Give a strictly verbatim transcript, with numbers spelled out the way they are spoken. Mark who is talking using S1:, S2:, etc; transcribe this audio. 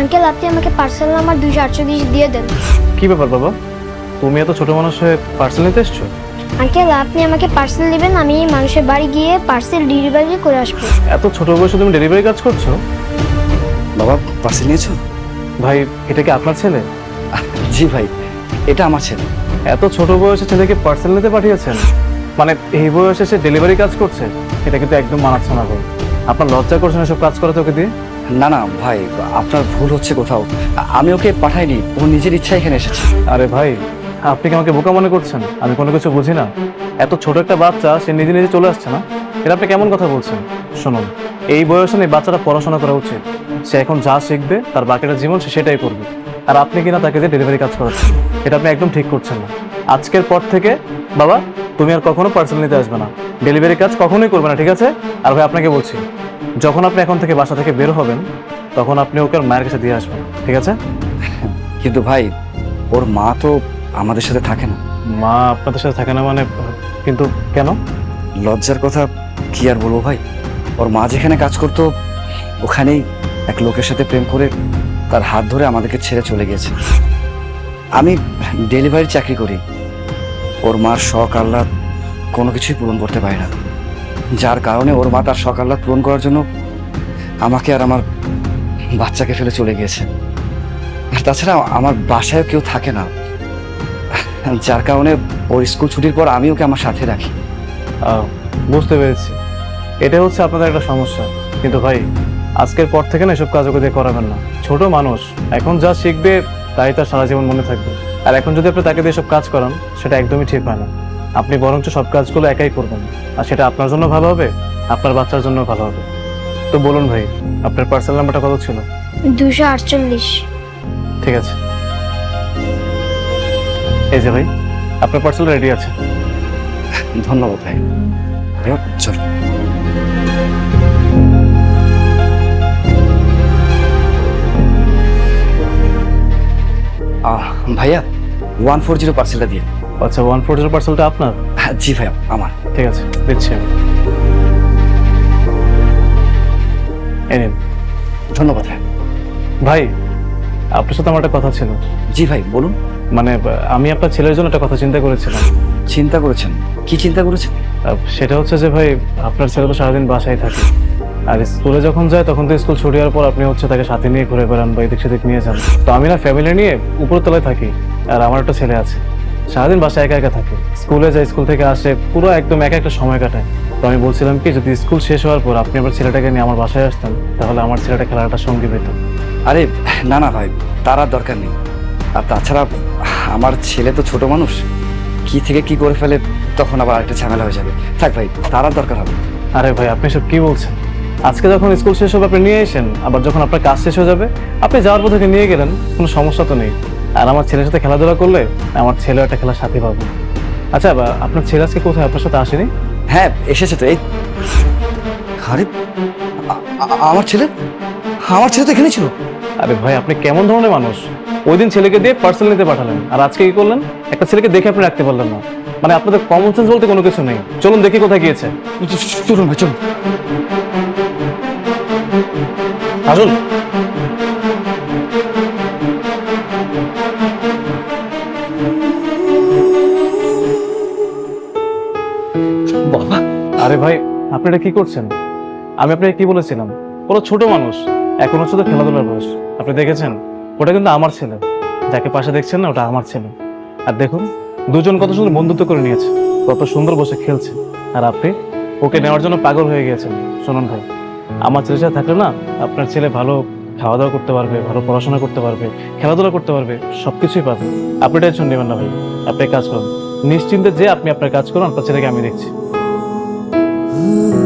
S1: Uncle আপনি আমাকে parcel number দুইশো আটচল্লিশ দিয়ে দেন।
S2: কি ব্যাপার বাবা, তুমি এত ছোট মানুষ হয়ে পার্সেল নিতে এসছো?
S1: আঙ্কেল আপনি আমাকে পার্সেল দিবেন, আমি মানুষের বাড়ি গিয়ে পার্সেল ডেলিভারি করে আসবো।
S2: এত ছোট বয়সে তুমি ডেলিভারি কাজ করছো?
S3: বাবা পার্সেল নিয়েছো?
S2: ভাই এটা কি আপনার ছেলে?
S3: জি ভাই, এটা আমার ছেলে।
S2: এত ছোট বয়সে ছেলেকে পার্সেল নিতে পাঠিয়েছেন? মানে এই বয়সে সে ডেলিভারি কাজ করছে? এটা কিন্তু একদম মানাচ্ছে না ভাই। আপনার লজ্জা করছে না সব কাজ করাতে ওকে দিয়ে?
S3: না না ভাই, আপনার ভুল হচ্ছে কোথাও। আমি ওকে পাঠাইনি, ও নিজের ইচ্ছা এখানে এসেছে।
S2: আরে ভাই, আপনি কি আমাকে বোকা মনে করছেন? আমি কোনো কিছু বুঝি না? এত ছোট একটা বাচ্চা, সে নিজে নিজে চলে আসছে না? এটা আপনি কেমন কথা বলছেন? শুনুন, এই বয়সে এই বাচ্চাটা পড়াশোনা করা উচিত। সে এখন যা শিখবে তার বাকিটা জীবন সে সেটাই করবে। আর আপনি কিনা তাকে দিয়ে ডেলিভারি কাজ করাচ্ছেন, এটা আপনি একদম ঠিক করছেন না। আজকের পর থেকে বাবা তুমি আর কখনো পার্সেল নিতে আসবে না, ডেলিভারি কাজ কখনোই করবে না, ঠিক আছে? আর ভাই আপনাকে বলছি, যখন আপনি এখন থেকে বাসা থেকে বের হবেন তখন আপনি ওকে মায়ের কাছে দিয়ে আসবেন, ঠিক আছে?
S3: কিন্তু ভাই, ওর মা তো আমাদের সাথে থাকে না।
S2: মা আপনাদের সাথে থাকে না মানে? কিন্তু কেন?
S3: লজ্জার কথা কি আর বলবো ভাই, ওর মা যেখানে কাজ করতো ওখানেই এক লোকের সাথে প্রেম করে তার হাত ধরে আমাদেরকে ছেড়ে চলে গেছে। আমি ডেলিভারি চাকরি করি, ওর মার শখ আহ্লাদ কোনো কিছুই পূরণ করতে পারি না, যার কারণে ওর মা তার শখ আহ্লাদ পূরণ করার জন্য আমাকে আর আমার বাচ্চাকে ফেলে চলে গিয়েছে। আর তাছাড়া আমার বাসায় কেউ থাকে না, যার কারণে ওর স্কুল ছুটির পর আমি ওকে আমার সাথে রাখি।
S2: আহ, বুঝতে পেরেছি, এটা হচ্ছে আপনাদের একটা সমস্যা। কিন্তু ভাই আজকের পর থেকে না এসব কাজ ওকে দিয়ে করাবেন না। ছোট মানুষ, এখন যা শিখবে তাই তার সারা জীবন মনে থাকবে। আর এখন যদি আপনি তাকে দিয়ে সব কাজ করান সেটা একদমই ঠিক হয় না। আপনি বরঞ্চ সব কাজগুলো একাই করবেন, আর সেটা আপনার জন্য ভালো হবে, আপনার বাচ্চার জন্য ভালো হবে। তো বলুন ভাই, আপনার পার্সেল নাম্বারটা কত ছিল?
S1: দুইশো আটচল্লিশ।
S2: ঠিক আছে, এই যে ভাই আপনার পার্সেল রেডি আছে।
S3: ধন্যবাদ ভাই। চল। আহ ভাইয়া, ওয়ান ফোর জিরো পার্সেলটা দিয়ে।
S2: আচ্ছা, ওয়ান ফোর জিরো পার্সেলটা আপনার?
S3: হ্যাঁ, জি ভাইয়া আমার।
S2: ঠিক আছে, দিচ্ছি আমি। এই নিন।
S3: ধন্যবাদ ভাই।
S2: ভাই আপনার সাথে আমার একটা কথা ছিল।
S3: জি ভাই বলুন।
S2: মানে আহ, আমি আপনার ছেলের জন্য একটা কথা চিন্তা করেছিলাম।
S3: চিন্তা করেছেন? কি চিন্তা করেছেন?
S2: আহ, সেটা হচ্ছে যে ভাই, আপনার ছেলে তো সারাদিন বাসায় থাকে, আর স্কুলে যখন যায় তখন তো স্কুল ছুটি হওয়ার পর আপনি হচ্ছে তাকে সাথে নিয়ে ঘুরে বেড়ান বা এদিক সেদিক নিয়ে যান। তো আমি না ফ্যামিলি নিয়ে উপরতলায় থাকি, আর আমার একটা ছেলে আছে, সারাদিন বাসায় একা একা থাকে, স্কুলে যায়, স্কুল থেকে আসে, পুরো একদম একা একটা সময় কাটায়। তো আমি বলছিলাম কি, যদি স্কুল শেষ হওয়ার পর আপনি আমার ছেলেটাকে নিয়ে আমার বাসায় আসতেন, তাহলে আমার ছেলেটা খেলার একটা সঙ্গী পেত।
S3: আরে না না ভাই, তার আর দরকার নেই। আর তাছাড়া আমার ছেলে তো ছোট মানুষ, কি থেকে কি করে ফেলে তখন আবার একটা ঝামেলা হয়ে যাবে। থাক ভাই, তার আর দরকার হবে।
S2: আরে ভাই আপনি সব কি বলছেন? আজকে যখন স্কুল শেষ হবে আপনি নিয়ে এসেন, আবার যখন আপনার কাজ শেষ হয়ে যাবে আপনি যাওয়ার পর থেকে নিয়ে গেলেন, কোনো সমস্যা তো নেই। আর আমার ছেলের সাথে খেলাধুলা করলে আমার ছেলেও একটা খেলার সাথী পাবে। আচ্ছা, বা আপনার ছেলে আজকে কোথায় আপনার সাথে আসেনি?
S3: হ্যাঁ এসেছে তো। এই আরে আ- আ- আমার ছেলে আমার ছেলে তো এখানে ছিল।
S2: আরে ভাই আপনি কেমন ধরনের মানুষ? ওই দিন ছেলেকে দিয়ে পার্সেল নিতে পাঠালেন, আর আজকে কি করলেন? একটা ছেলেকে দেখে আপনি রাখতে পারলেন না। মানে আপনাদের কমন সেন্স বলতে কোনো কিছু নেই। চলুন দেখি কোথায় গিয়েছে।
S3: চলুন ভাই চলুন।
S2: আসুন।
S3: বাবা,
S2: আরে ভাই আপনি এটা কি করছেন? আমি আপনাকে কি বলেছিলাম, ওরা ছোট মানুষ, এখন হচ্ছে তো খেলাধুলার বয়স। আপনি দেখেছেন, ওটা কিন্তু আমার ছেলে, যাকে পাশে দেখছেন না ওটা আমার ছেলে। আর দেখুন দুজন কত সুন্দর বন্ধুত্ব করে নিয়েছে, কত সুন্দর বসে খেলছে, আর আপনি ওকে নেওয়ার জন্য পাগল হয়ে গিয়েছেন। শুনুন ভাই, আমার ছেলের সাথে থাকলে না আপনার ছেলে ভালো খাওয়া দাওয়া করতে পারবে, ভালো পড়াশোনা করতে পারবে, খেলাধুলা করতে পারবে, সবকিছুই পাবে। আপনি টেনশন নেবেন না ভাই, আপনি এক কাজ করুন, নিশ্চিন্তে যে আপনি আপনার কাজ করুন, আপনার ছেলেকে আমি দেখছি।